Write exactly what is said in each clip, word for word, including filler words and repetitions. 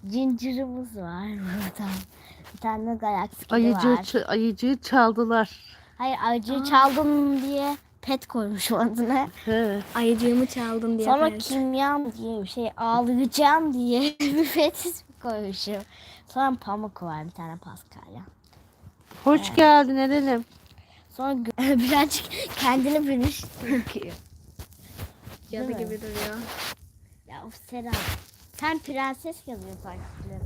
Cincirimiz var burada. Bir tane galaksi kedi Ayıcığı, var. ç- ayıcığı çaldılar. Hayır ayıcığı çaldım diye pet koymuşum adına. He. Ayıcığımı çaldın diye. Sonra pet. kimyam diye bir şey ağlayacağım diye bir pet ismi koymuşum. Sonra pamuk var bir tane Paskalya. Hoş geldin Eren'im. Sonra gö- birazcık kendini bilmiş. Cadı Değil mi? gibi duruyor. Ya of Sera. Sen prenses yazıyor takipçilerim.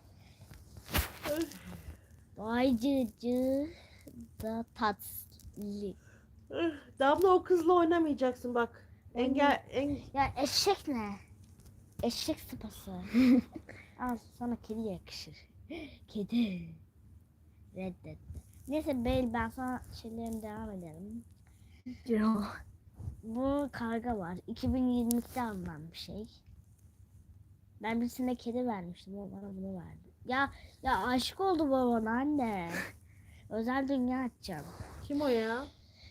Ayıcığı da tatlı. Damla o kızla oynamayacaksın bak. Engel en Ya eşek ne? Eşek sıpası. Al sana kedi yakışır. Kedi. Reddet. Neyse Beyl ben sana şeylerim devam edelim. Ciro. Bu karga var. iki bin yirmi ikide alınan bir şey. Ben birisine kedi vermiştim. O bana bunu verdi. Ya ya aşık oldu babana anne. Özel dünya açacağım. kim o ya?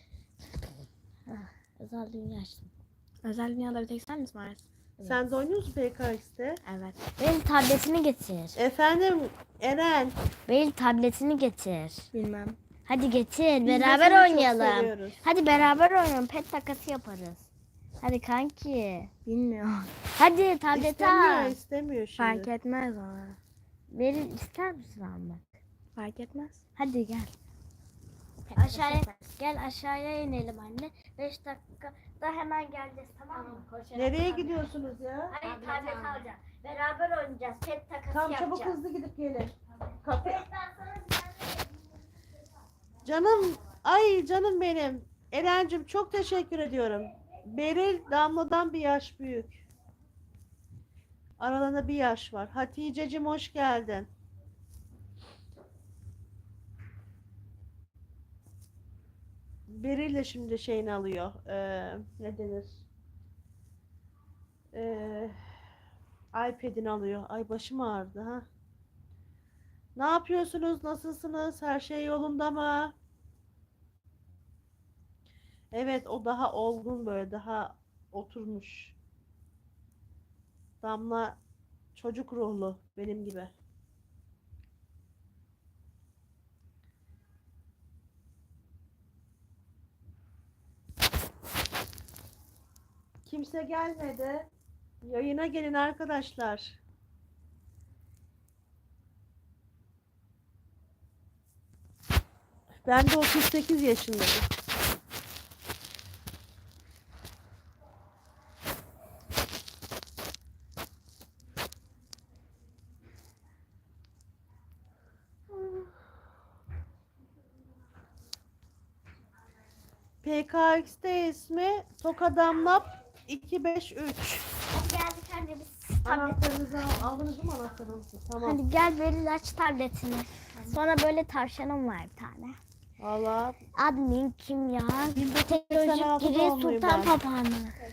Özel dünya açtım. Özel dünyada bir tek sen misin varsın? Sen de oynuyor musun P K X'te? Evet. Benim tabletini getir. Efendim Eren. Benim tabletini getir. Bilmem. Hadi getir. Biz de beraber seni çok oynayalım. seviyoruz. Hadi beraber oynayalım. Pet takası yaparız. Hadi kanki. Bilmiyorum. Hadi tableti İstemiyor, al. istemiyor şimdi. Fark etmez ona. Verir ister misin almak? Fark etmez. Hadi gel. Aşağıya gel aşağıya inelim anne. beş dakikada hemen geleceğiz tamam mı? Koşarak Nereye tabii. gidiyorsunuz ya? Hayır tablet alacağız. Beraber oynayacağız. Pet takası Tam yapacağız. çabuk hızlı gidip gelin. Kapı. Evet, ben sana bir tane- Canım, ay canım benim. Eren'cim çok teşekkür ediyorum. Beril Damla'dan bir yaş büyük. Aralarında bir yaş var. Hatice'cim hoş geldin. Beril de şimdi şeyini alıyor. Ee, ne denir? Ee, iPad'ini alıyor. Ay başım ağrıdı ha. Ne yapıyorsunuz? Nasılsınız? Her şey yolunda mı? Evet, o daha olgun böyle, daha oturmuş. Damla çocuk ruhlu benim gibi. Kimse gelmedi. Yayına gelin arkadaşlar. Ben de otuz sekiz yaşındayım. P K X'te ismi Tokadamlap iki beş üç. Hadi geldik anne biz tablet. Anahtarınızı al- aldınız mı anahtarınızı? Tamam. Hadi gel Beril aç tabletini. Sonra böyle tavşanım var bir tane. Valla Admin kim ya? bin dokuz yüz seksen Teknolojik altıda giri doğumluyum sultan ben. papağanı.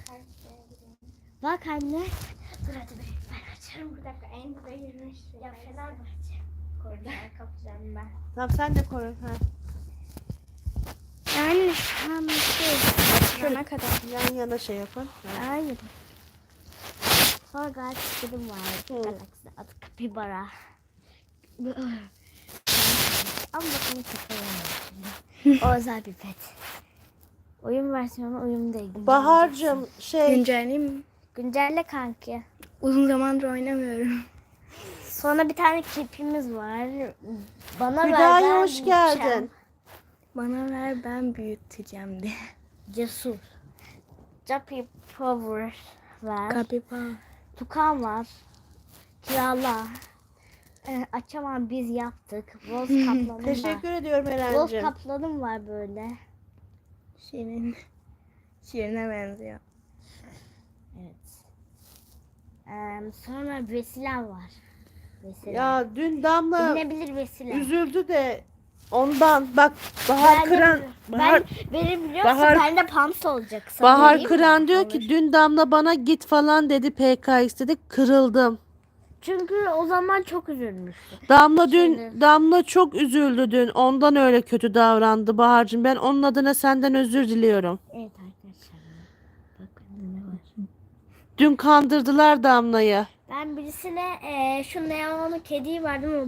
Bak anne. Dur hadi be. Ben açarım bir dakika. En burada yürümüş. Ya Fenerbahçe. Koridor kapacağım ben. Tamam sen de koy. Ha. Yani şu an şey. Şuna kadar. Yan yana şey yapın. Ha. Hayır. Sonra galaksi kedim var. Hı. Galaksi adı Kapibara. Ama bakın kapıyorum. O özel bir pet. Oyun versiyonu oyun değil. Bahar'cığım şey Güncelleyeyim mi? Güncelle kanki. Uzun zamandır oynamıyorum. Sonra bir tane kirpimiz var. Bana ver. Hüdayi ben hoş büyüteceğim. geldin. Bana ver ben büyüteceğim diye. Cesur. Jappy Power var. Kapipa. Tukan var. Kirala. Ee, açamam biz yaptık. Boz kaplanım var. Teşekkür ediyorum Boz Eren'cim. kaplanım var böyle. Şirin. Şirine benziyor. Evet. Ee, sonra Vesile var. Vesile. Ya dün Damla İnebilir Vesile. üzüldü de ondan bak Bahar Ben de- Kıran Bahar, Ben, benim biliyorsun Bahar- bende pams olacak. Sana Bahar vereyim mi? Kıran diyor Olur. ki dün Damla bana git falan dedi P K X dedi, kırıldım. Çünkü o zaman çok üzülmüştü. Damla dün Şimdi- Damla çok üzüldü dün. Ondan öyle kötü davrandı Bahar'cığım. Ben onun adına senden özür diliyorum. Evet arkadaşlar. Bakın ne var. Dün kandırdılar Damla'yı. Ben birisine eee şu neonlu kediyi verdim.